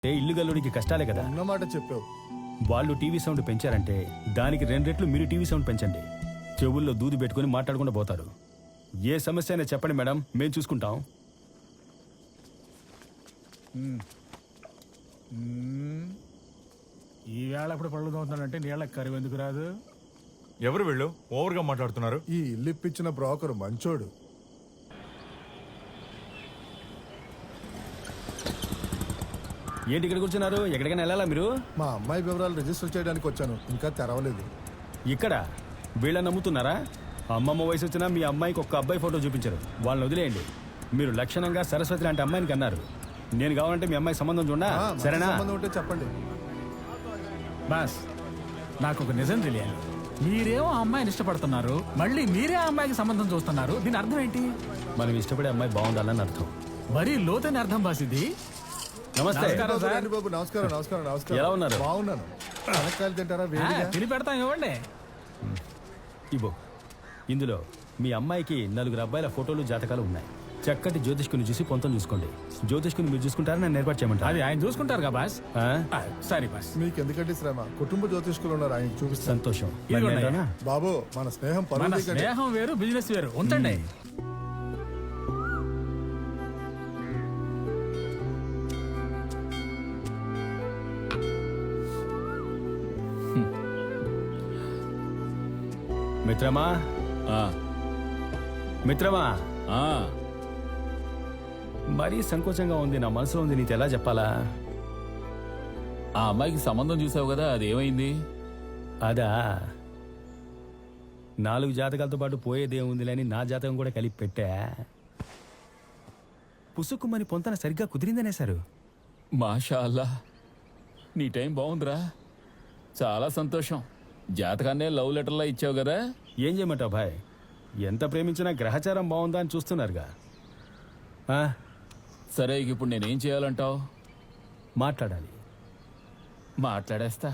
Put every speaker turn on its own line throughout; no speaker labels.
ఇల్లు గల్లుడికి కష్టాలే కదా.
అన్నమాట చెప్పావు.
వాళ్ళు టీవీ సౌండ్ పెంచారంటే దానికి 2 రెట్లు మీరు టీవీ సౌండ్ పెంచండి. చెవుల్లో దూది పెట్టుకుని మాట్లాడకుండా పోతారు. ఏ సమస్య అయినా చెప్పండి మేడం, మేము చూసుకుంటాం.
ఈ వేళ ఇప్పుడు పళ్ళు తోముతున్నాడంటే నీళ్ళకి కరువు ఎందుకు రాదు?
ఎవరు వీళ్ళు ఓవర్గా మాట్లాడుతున్నారు?
ఈ ఇల్లు ఇప్పించిన బ్రోకర్ మంచోడు.
ఏంటి ఇక్కడ కూర్చున్నారు? ఎక్కడికైనా వెళ్ళాలా మీరు?
మా అమ్మాయి వివరాలు రిజిస్టర్ చేయడానికి వచ్చాను, ఇంకా తెరవలేదు.
ఇక్కడ వీళ్ళని నమ్ముతున్నారా? అమ్మమ్మ వయసు వచ్చినా మీ అమ్మాయికి ఒక్క అబ్బాయి ఫోటో చూపించరు. వాళ్ళని వదిలేయండి. మీరు లక్షణంగా సరస్వతి లాంటి అమ్మాయిని కన్నారు. నేను కావాలంటే మీ అమ్మాయి సంబంధం చూడా, సరేనా?
సంబంధం ఉంటే చెప్పండి.
బాస్, నాకు ఒక నిజం తెలియాలి. మీరేమో ఆ అమ్మాయిని ఇష్టపడుతున్నారు, మళ్ళీ మీరే ఆ అమ్మాయికి సంబంధం చూస్తున్నారు. దీని అర్థం ఏంటి?
మనం ఇష్టపడే అమ్మాయి బాగుండాలని అర్థం.
మరీ లోతైన అర్థం బాస్ ఇది.
నమస్తే.
నమస్కారం సార్.
రండి బాబు, నమస్కారం నమస్కారం నమస్కారం.
ఎలా ఉన్నారు?
బాగున్నాను. శనక్కాయలు తింటారా? వేడిగా
తిని పెడతాం, ఇవ్వండి.
ఇవ్వు. ఇందులో మీ అమ్మాయికి 4 అబ్బాయిల ఫోటోలు, జాతకాలు ఉన్నాయి. చక్కటి జ్యోతిష్కుని చూసి పొంతం చూసుకోండి. జ్యోతిష్కుని మీరు చూసుకుంటారని నన్ను ఏర్పాటు చేయమంటారు.
అది ఆయన చూసుకుంటారు కదా బాస్. సరే బాస్.
మీకు ఎందుకంటే శ్రమ, కుటుంబ జ్యోతిష్కులు ఉన్నారు, ఆయన చూపిస్తాను.
సంతోషం.
ఇదిగోండి.
మరి నేనా?
బాబు, మన స్నేహం
మన
పరువు దిగండి.
స్నేహం వేరు, బిజినెస్ వేరు. ఉంచండి.
మిత్రమా, మిత్రమా, మరీ సంకోచంగా ఉంది. నా మనసులో ఉంది, నీకు ఎలా చెప్పాలా?
ఆ అమ్మాయికి సంబంధం చూసావు కదా, అది ఏమైంది?
అదా, 4 జాతకాలతో పాటు పోయేదేముందిలే అని నా జాతకం కూడా కలిపి పెట్టా. పుసుక్కుమని పొంతన సరిగ్గా కుదిరిందనేశారు.
మాషా అల్లా, నీ టైం బాగుందిరా. చాలా సంతోషం. జాతకాన్నే లవ్ లెటర్లా ఇచ్చావు కదా.
ఏం చేయమంటావు భాయ్? ఎంత ప్రేమించినా గ్రహచారం బాగుందా అని చూస్తున్నారుగా.
సరే, ఇక ఇప్పుడు నేనేం చేయాలంటావు?
మాట్లాడాలి.
మాట్లాడేస్తా.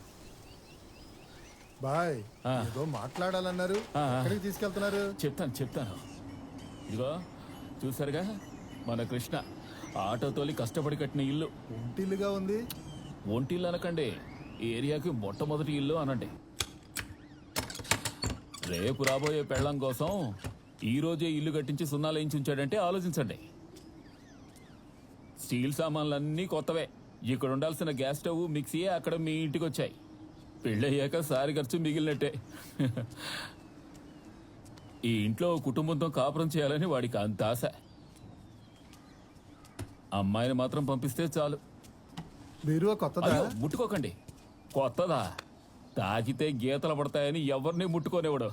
బాయ్, ఏదో మాట్లాడాలన్నారు. ఎక్కడికి తీసుకెళ్తున్నారు?
చెప్తాను. ఇదిగో చూసారుగా, మన కృష్ణ ఆటో తోలి కష్టపడి కట్టిన ఇల్లు.
ఒంటిల్లుగా ఉంది.
ఒంటిల్లు అనకండి, ఏరియాకి మొట్టమొదటి ఇల్లు అనండి. రేపు రాబోయే పెళ్ళం కోసం ఈ రోజే ఇల్లు కట్టించి సున్నాలు వేయించి ఉంచాడంటే ఆలోచించండి. స్టీల్ సామాన్లన్నీ కొత్తవే. ఇక్కడ ఉండాల్సిన గ్యాస్ స్టవ్, మిక్సీయే అక్కడ మీ ఇంటికి వచ్చాయి. పెళ్ళయ్యాక సారి ఖర్చు మిగిలినట్టే. ఈ ఇంట్లో కుటుంబంతో కాపురం చేయాలని వాడికి అంత ఆశ. అమ్మాయిని మాత్రం పంపిస్తే చాలు.
బీరువా కొత్తదా?
అయ్యో, ముట్టుకోకండి. కొత్తదా? తాకితే గీతలు పడతాయని ఎవరిని ముట్టుకోనివ్వడు.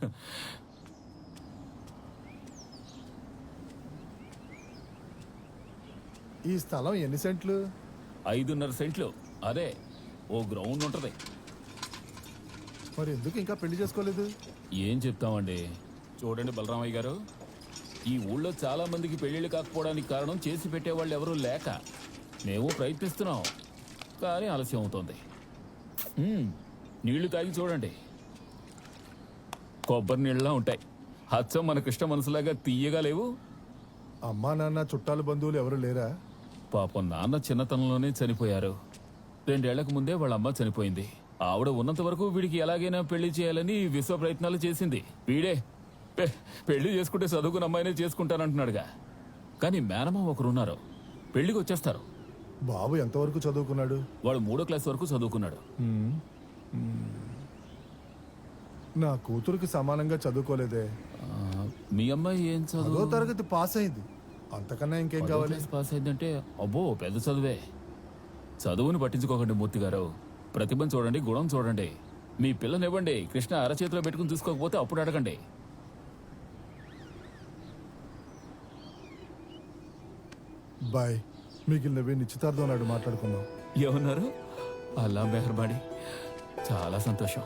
ఈ స్థలం ఎన్ని సెంట్లు?
5.5 సెంట్లు. అదే, ఓ గ్రౌండ్ ఉంటది.
మరి ఎందుకు ఇంకా పెళ్లి చేసుకోలేదు?
ఏం చెప్తామండి. చూడండి బలరామయ్య గారు, ఈ ఊళ్ళో చాలా మందికి పెళ్లిళ్ళు కాకపోవడానికి కారణం చేసి పెట్టేవాళ్ళు ఎవరూ లేక. మేము ప్రయత్నిస్తున్నాం, కానీ ఆలస్యం అవుతోంది. నీళ్లు తాగి చూడండి, కొబ్బరి నీళ్ళలా ఉంటాయి. హచ్చం మన కృష్ణ మనసులాగా తీయగా లేవు.
అమ్మా నాన్న, చుట్టాలు, బంధువులు ఎవరు లేరా?
పాపం నాన్న చిన్నతనంలోనే చనిపోయారు. 2 ఏళ్లకు ముందే వాళ్ళ అమ్మ చనిపోయింది. ఆవిడ ఉన్నంత వరకు వీడికి ఎలాగైనా పెళ్లి చేయాలని విశ్వ ప్రయత్నాలు చేసింది. వీడే పెళ్లి చేసుకుంటే చదువుకున్న అమ్మాయినే చేసుకుంటానంటున్నాడుగా. కానీ మేనమా ఒకరున్నారు, పెళ్లికి వచ్చేస్తారు.
బాబు ఎంతవరకు చదువుకున్నాడు?
వాడు 3వ క్లాస్ వరకు చదువుకున్నాడు.
నా కూతురికి సమానంగా చదువుకోలేదే.
మీ అమ్మాయి ఏం
10వ
చదువు?
తరగతి పాస్ అయింది. అంతకన్నా ఇంకేం
10వ
కావాలి?
క్లాస్ పాస్ అయిందంటే అబ్బో పెద్ద చదువే. చదువుని పట్టించుకోకండి మూర్తి గారు. ప్రతిభను చూడండి, గుణం చూడండి. మీ పిల్లనివ్వండి, కృష్ణ అరచేతిలో పెట్టుకుని చూసుకోకపోతే అప్పుడు అడగండి.
బాయ్, మిగిలినవి నిశ్చితార్థం నాడు మాట్లాడుకుందాం.
ఏమన్నారు? అల్లా మెహర్బానీ. చాలా సంతోషం.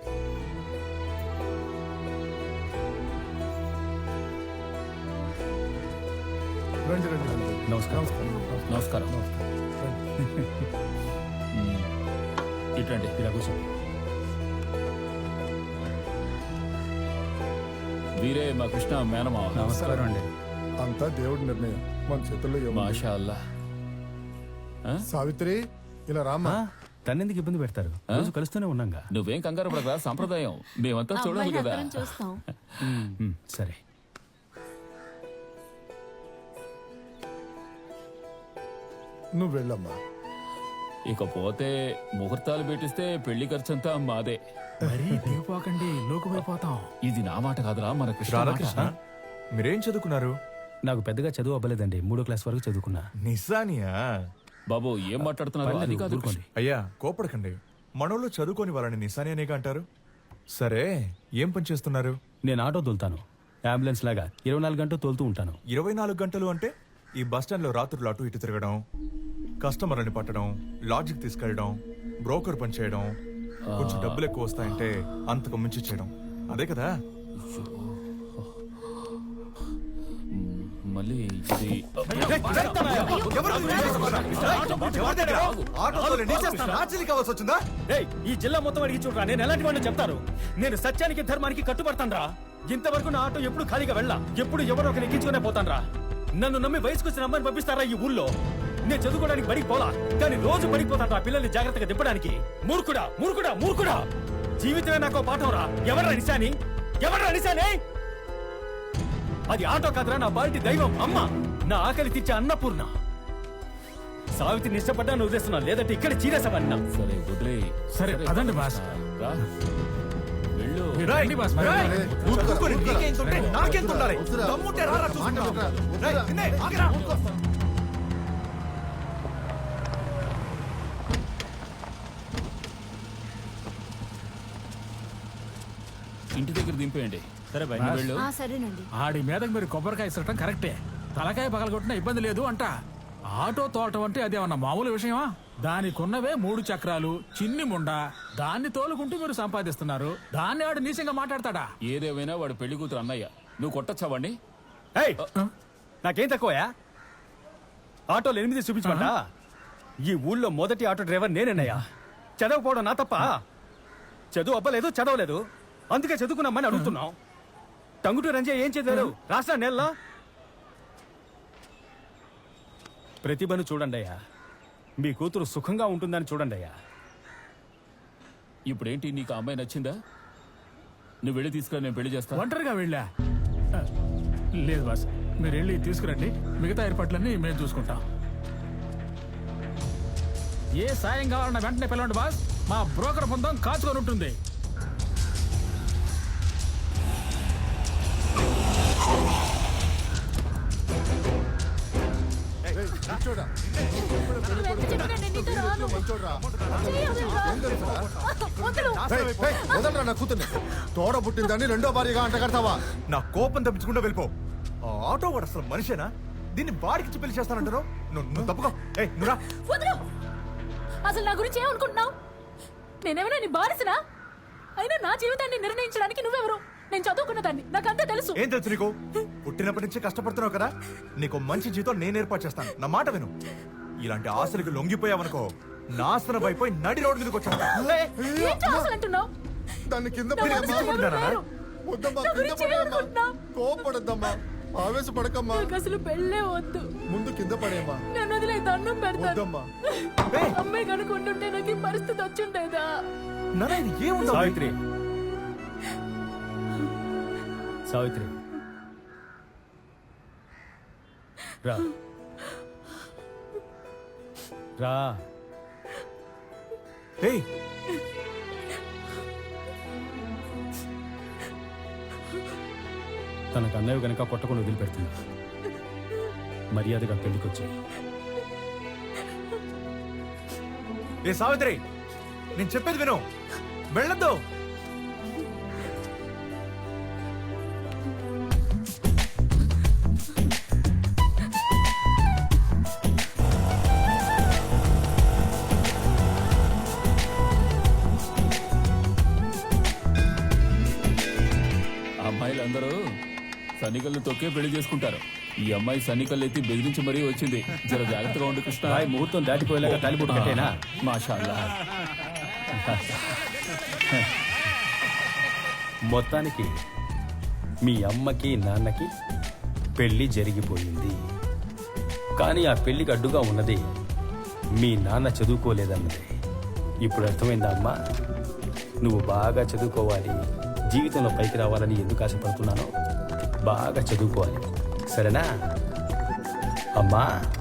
రండి రండి రండి.
నమస్కారం.
నమస్కారం. ఇటండి.
ఇలా కూర్చోండి.
వీరే మా కృష్ణ మేనమా.
నమస్కారం అండి.
అంతా దేవుడి నిర్ణయం, మన చేతుల్లో ఏముంది?
మాషా అల్లా.
సావిత్రి ఇలా రామ్మా.
తన్నెందుకు ఇబ్బంది పెడతారు? రోజు కలుస్తూనే ఉన్నాగా.
నువ్వేం కంగారు పడరా, సంప్రదాయం మేమంతా చూడాలి కదా.
చూస్తాం.
సరే.
నువ్వు వెళ్ళమ్మా.
ఇకపోతే ముహూర్తాలు పెట్టిస్తే పెళ్లి ఖర్చంతా మాదే.
మరీ దిగిపోకండి, లోకుపోయిపోతాం.
ఇది నా మాట కాదురా, మన కృష్ణ మాట.
రాధాకృష్ణ మీరేం చదువుకున్నారు?
నాకు పెద్దగా చదువు అవ్వలేదండి, 3వ క్లాస్ వరకు చదువుకున్నా.
నిజానియా?
బాబు ఏం మాట్లాడుతున్నారు? అది కాదు
ఊరుకోండి.
అయ్యా కోపడకండి, మనోళ్ళు చదువుకొని వాళ్ళని నిశాని అనేగా అంటారు. సరే ఏం పని చేస్తున్నారు?
నేను ఆటో తోలుతాను, అంబులెన్స్ లాగా 24 గంటలు తోలుతూ ఉంటాను.
24 గంటలు అంటే ఈ బస్ స్టాండ్ లో రాత్రులు అటు ఇటు తిరగడం, కస్టమర్లని పట్టడం, లాడ్జికి తీసుకెళ్ళడం, బ్రోకర్ పని చేయడం, కొంచెం డబ్బులు ఎక్కువ వస్తాయంటే అంతకు మించి చేయడం, అదే కదా?
మళ్ళీ ఇది
ఏయ్, ఈ జిల్లా మొత్తం అడిగి చూడరా, నేను ఎలాంటి వాడిని చెప్తారు. నేను సత్యానికి ధర్మానికి కట్టుబడతాను. ఇంతవరకు నా ఆటో ఎప్పుడు ఖాళీగా వెళ్ళా, ఎప్పుడు ఎవరో ఒకరు ఎక్కించుకునే పోతాను. నన్ను నమ్మి వయసుకొచ్చిన అమ్మాయిని పంపిస్తారా ఈ ఊళ్ళో? నేను చదువుకోవడానికి బడికి పోలా, కానీ రోజు పడిపోతాను పిల్లల్ని జాగ్రత్తగా దింపడానికి. మూర్ఖుడా మూర్ఖుడా మూర్ఖుడా! జీవితమే నాకు పాఠం రా. ఎవర్రా నిశాని? ఎవర్రా నిశాని? అది ఆటో కాదురా, నా బాల్టి దైవం అమ్మ, నా ఆకలి తీర్చే అన్నపూర్ణ. సావిత్రిని ఇష్టపడ్డాను వదిలేస్తున్నా, లేదంటే ఇక్కడ చీరేసామన్నా.
సరే వదిలే.
సరే అదండి బాస్.
రా. వెళ్ళు.
రండి బాస్, మరి.
ఇంటి దగ్గర దింపేయండి. సరే బాయ్, నువ్వు వెళ్ళు.
సరేనండి.
ఆడి మీదకి మీరు కొబ్బరికాయ ఇసరటం కరెక్టే. తలకాయ పగలగొట్టినా ఇబ్బంది లేదు అంట. ఆటో తోలటం అంటే అదేమన్నా మామూలు విషయమా? దానికున్నవే 3 చక్రాలు, చిన్ని ముండ. దాన్ని తోలుకుంటూ మీరు సంపాదిస్తున్నారు. దాన్ని ఆడు నీచంగా మాట్లాడతాడా?
ఏదేమైనా వాడు పెళ్లి కూతురు అన్నయ్య, నువ్వు కొట్టచ్చా వాడిని?
ఏయ్, నాకేం తక్కువయా? ఆటోలు 8 చూపించమంట. ఈ ఊళ్ళో మొదటి ఆటో డ్రైవర్ నేనేనయ్యా. చదవకపోవడం నా తప్ప? చదువు అవ్వలేదు, చదవలేదు, అందుకే చదువుకున్నామని అడుగుతున్నాం. టంగుటూ రంజే ఏం చదివారు? రాష్ట్ర నెలలో ప్రతిభను చూడండి అయ్యా. మీ కూతురు సుఖంగా ఉంటుందని చూడండి అయ్యా.
ఇప్పుడేంటి, నీకు ఆ అమ్మాయి నచ్చిందా? నువ్వు వెళ్ళి తీసుకురా, నేను పెళ్లి చేస్తా.
ఒంటరిగా వెళ్ళా? లేదు బాస్, మీరు వెళ్ళి తీసుకురండి. మిగతా ఏర్పాట్లన్నీ మేము చూసుకుంటాం. ఏ సాయం కావాలన్నా వెంటనే పిలవండి బాస్. మా బ్రోకర్ బృందం కాచుకొని ఉంటుంది.
కూర్చోడా. మంచోడ్రా. వదలరా నా కూతుర్ని. తోడ పుట్టిందని 2వ భార్యగా అంట కడతావా?
నా కోపం తప్పించుకుంటూ వెళ్ళిపో. ఆ ఆటో వాడు అసలు మనిషేనా? దీన్ని బాడికి పెళ్లి చేస్తానంటారు. నువ్వు తప్పుకో. నువ్వురా.
వదలు. అసలు నా గురించి ఏమనుకుంటున్నావు? నేనేమైనా నీ బానిసనా? అయినా నా జీవితాన్ని నిర్ణయించడానికి నువ్వెవరు? నేను చదువుకున్నదాన్ని, నాకంతా తెలుసు.
ఏం తెలుసు నీకు? పుట్టినప్పటి నుంచి కష్టపడుతున్నావు కదా, నీకు మంచి జీతం నేను ఏర్పాటు చేస్తాను. నా మాట విను. ఇలాంటి ఆశలకు లొంగిపోయావనుకో, నాశనం అయిపోయి నడి రోడ్డు మీదకి వచ్చాను.
ఏంటి ఆశలు అంటున్నావు?
దాన్ని కింద
నా మనసులో ఎవరు లేరు.
వద్దమ్మా,
నా
కింద
గురించి
పడేయమ్మా.
ఏమనుకుంటున్నావు?
కోపడద్దమ్మా, ఆవేశపడకమ్మా.
నాకు అసలు పెళ్ళే వద్దు.
ముందు కింద పడేయమ్మా.
నన్ను వదిలే, దండం పెడతాను.
వద్దమ్మా.
అమ్మాయి కనుకుంటుంటే నాకు ఈ పరిస్థితి వచ్చిండేదా?
నాన్న ఇది ఏముందో?
సావిత్రి, సావిత్రి రా రా.
ఏయ్,
తనకు అన్నయ్య గనక కొట్టకుండా వదిలిపెడుతుంది. మర్యాదగా పెళ్లికొచ్చి.
ఏ సావిత్రి, నేను చెప్పేది విను. వెళ్ళొద్దు.
అమ్మాయిలందరూ సన్నికల్ని తొక్కే పెళ్లి చేసుకుంటారు. ఈ అమ్మాయి సన్నికల్లు ఎత్తి బెదిరించి మరీ వచ్చింది. జర జాగ్రత్తగా ఉండు కృష్ణ.
రాయ్ ముహూర్తం దాటిపోయేలాగా తాలిబొట్టు కట్టేనా?
మాషాల్లా.
మొత్తానికి మీ అమ్మకి నాన్నకి పెళ్లి జరిగిపోయింది. కానీ ఆ పెళ్లికి అడ్డుగా ఉన్నది మీ నాన్న చదువుకోలేదన్నది ఇప్పుడు అర్థమైందా అమ్మా? నువ్వు బాగా చదువుకోవాలి, జీవితంలో పైకి రావాలని ఎందుకు ఆశపడుతున్నానో బాగా చదువుకోవాలి, సరేనా అమ్మా?